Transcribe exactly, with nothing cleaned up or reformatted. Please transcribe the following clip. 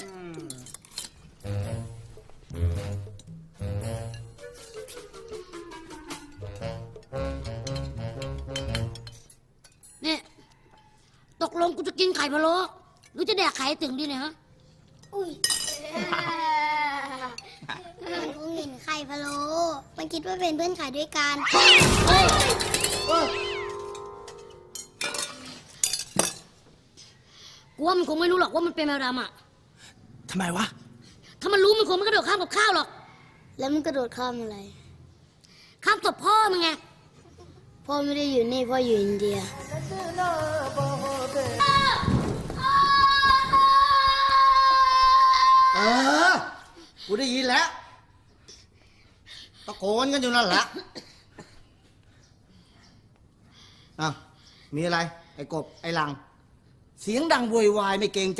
เนี่ยตกลงกูจะกินไข่พะโล้หรือจะแดกไข่ถึงดีเนี่ยฮะอุ้ยมันคงเห็นไข่พะโล้มันคิดว่าเป็นเพื่อนขายด้วยกันกูว่ามันคงไม่รู้หรอกว่ามันเป็นแมวดำอ่ะทำไมวะถ้ามันรู้มันคงไม่กระโดดข้ามกับข้าวหรอกแล้วมันกระโดดข้ามอะไรข้ามศพพ่อมึงไงพ่อไม่ได้อยู่นี่พ่ออยู่อินเดียเออกูได้ยินแล้วตะโกนกันอยู่นั่นแหละอ้าวมีอะไรไอ้กบไอ้หลังเสียงดังโวยวายไม่เกรงใจ